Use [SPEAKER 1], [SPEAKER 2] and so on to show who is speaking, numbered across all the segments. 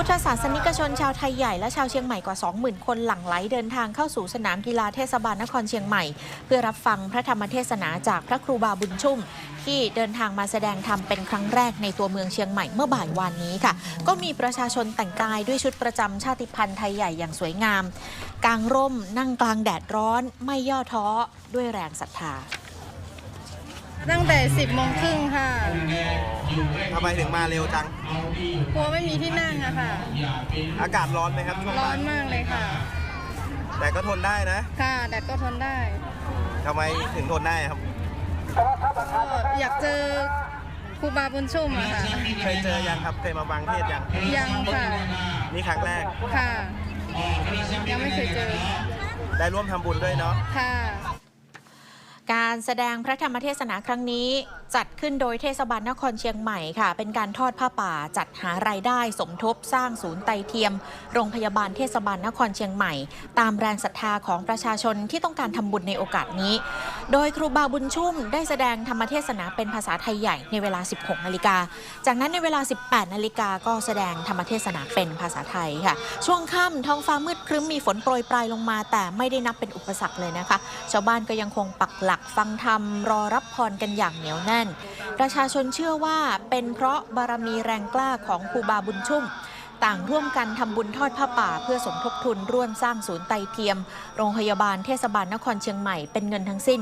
[SPEAKER 1] ทธศาสนิกชนชาวไทยใหญ่และชาวเชียงใหม่กว่า 20,000 คนหลั่งไหลเดินทางเข้าสู่สนามกีฬาเทศบาลนครเชียงใหม่เพื่อรับฟังพระธรรมเทศนาจากพระครูบาบุญชุ่มที่เดินทางมาแสดงธรรมเป็นครั้งแรกในตัวเมืองเชียงใหม่เมื่อบ่ายวานนี้ค่ะก็มีประชาชนแต่งกายด้วยชุดประจำชาติพันธุ์ไทยใหญ่อย่างสวยงามกางร่มนั่งกลางแดดร้อนไม่ย่อท้อด้วยแรงศรัทธา
[SPEAKER 2] ตั้งแต่ 10:30 น.ค่ะ
[SPEAKER 3] ทำไมถึงมาเร็วจัง
[SPEAKER 2] กลัวไม่มีที่นั่งอะค่ะ
[SPEAKER 3] อากาศร้อนไหมครับช่วง
[SPEAKER 2] ร้อนมากเลยค่ะ
[SPEAKER 3] แต่ก็ทนได้นะ
[SPEAKER 2] ค่ะแดดก็ทนได้
[SPEAKER 3] ทำไมถึงทนได้ครับ
[SPEAKER 2] อยากเจอครูบาบุญชุ่มอะค่ะ
[SPEAKER 3] เคยเจอยังครับเคยมาฟังเทศ
[SPEAKER 2] ยังค่ะ
[SPEAKER 3] นี่ครั้งแรก
[SPEAKER 2] ค่ะยังไม่เคยเจอ
[SPEAKER 3] ได้ร่วมทำบุญด้วยเนาะ
[SPEAKER 2] ค่ะ
[SPEAKER 1] การแสดงพระธรรมเทศนาครั้งนี้จัดขึ้นโดยเทศบาลนครเชียงใหม่ค่ะเป็นการทอดผ้าป่าจัดหารายได้สมทบสร้างศูนย์ไตเทียมโรงพยาบาลเทศบาลนครเชียงใหม่ตามแรงศรัทธาของประชาชนที่ต้องการทำบุญในโอกาสนี้โดยครูบาบุญชุ่มได้แสดงธรรมเทศนาเป็นภาษาไทยใหญ่ในเวลา 16 นาฬิกาจากนั้นในเวลา 18 นาฬิกาก็แสดงธรรมเทศนาเป็นภาษาไทยค่ะช่วงค่ำท้องฟ้ามืดครึ้มมีฝนโปรยปลายลงมาแต่ไม่ได้นับเป็นอุปสรรคเลยนะคะชาวบ้านก็ยังคงปักหลักฟังธรรมรอรับพรกันอย่างเหนียวแน่นประชาชนเชื่อว่าเป็นเพราะบารมีแรงกล้าของครูบาบุญชุ่มต่างร่วมกันทำบุญทอดผ้าป่าเพื่อสมทบทุนร่วมสร้างศูนย์ไตเทียมโรงพยาบาลเทศบาลนครเชียงใหม่เป็นเงินทั้งสิ้น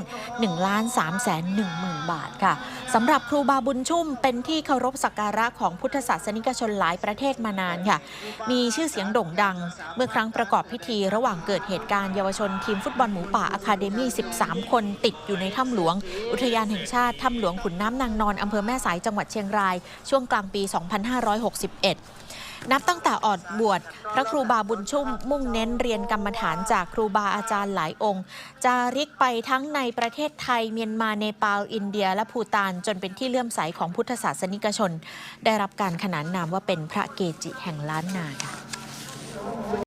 [SPEAKER 1] 1,310,000 บาทค่ะสำหรับครูบาบุญชุ่มเป็นที่เคารพสักการะของพุทธศาสนิกชนหลายประเทศมานานค่ะมีชื่อเสียงโด่งดังเมื่อครั้งประกอบพิธีระหว่างเกิดเหตุการณ์เยาวชนทีมฟุตบอลหมูป่าอะคาเดมี่ 13 คนติดอยู่ในถ้ำหลวงอุทยานแห่งชาติถ้ำหลวงขุนน้ำนางนอนอำเภอแม่สายจังหวัดเชียงรายช่วงกลางปี 2561นับตั้งแต่ออกบวชพระครูบาบุญชุ่มมุ่งเน้นเรียนกรรมฐานจากครูบาอาจารย์หลายองค์จาริกไปทั้งในประเทศไทยเมียนมาเนปาลอินเดียและภูฏานจนเป็นที่เลื่อมใสของพุทธศาสนิกชนได้รับการขนานนามว่าเป็นพระเกจิแห่งล้านนาค่ะ